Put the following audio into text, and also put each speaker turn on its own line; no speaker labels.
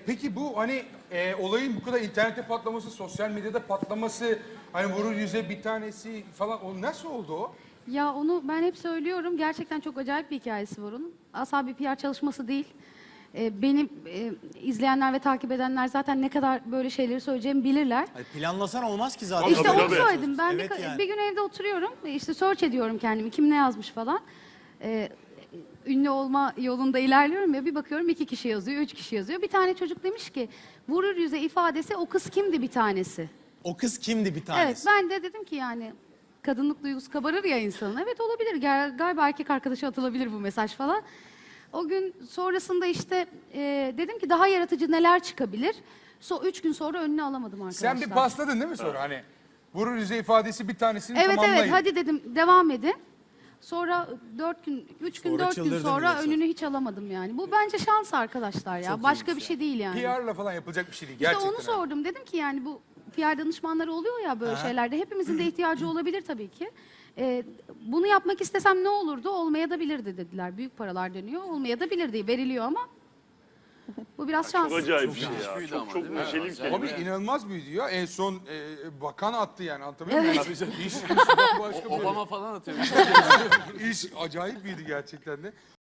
Peki bu hani olayın bu kadar internette patlaması, sosyal medyada patlaması, hani vurur yüze bir tanesi falan, o nasıl oldu o?
Ya onu ben hep söylüyorum. Gerçekten çok acayip bir hikayesi var onun. Asla bir PR çalışması değil. Beni izleyenler ve takip edenler zaten ne kadar böyle şeyleri söyleyeceğimi bilirler.
Hayır, planlasan olmaz ki zaten.
İşte
Tabii,
onu
tabii.
söyledim. Ben
Evet yani.
bir gün evde oturuyorum. İşte search ediyorum kendimi. Kim ne yazmış falan. Ünlü olma yolunda ilerliyorum ya, bir bakıyorum 2 kişi yazıyor, 3 kişi yazıyor. Bir tane çocuk demiş ki vurur yüze ifadesi o kız kimdi bir tanesi.
O kız kimdi bir
Evet,
tanesi?
ben de dedim ki yani kadınlık duygusu kabarır ya insanın. Evet, olabilir. Galiba erkek arkadaşa atılabilir bu mesaj falan. O gün sonrasında işte dedim ki daha yaratıcı neler çıkabilir. 3 gün sonra önüne alamadım arkadaşlar.
Sen bir pasladın değil mi sonra hani? Vurur yüze ifadesi bir tanesini
Evet
tamamlayın.
evet, hadi dedim devam edin. Sonra 3 gün
Sonra
4 gün
çıldırdın
sonra
diyorsun.
önünü hiç alamadım yani. Bu bence şans arkadaşlar ya. Başka bir şey değil yani.
PR'la falan yapılacak bir şey değil
İşte
gerçekten.
onu sordum. Dedim ki yani bu PR danışmanları oluyor ya böyle şeylerde. Hepimizin de ihtiyacı olabilir tabii ki. Bunu yapmak istesem ne olurdu? Olmaya da bilirdi dediler. Büyük paralar dönüyor. Olmaya da bilirdi. Veriliyor ama bu biraz şans.
Çok acayip bir şey ya. Çok neşeli bir kelime.
Abi inanılmaz büyüdü ya. En son bakan attı yani, anlatabiliyor muyum? İş bambaşka böyle.
Obama falan atıyor.
İş acayip büyüdü gerçekten de.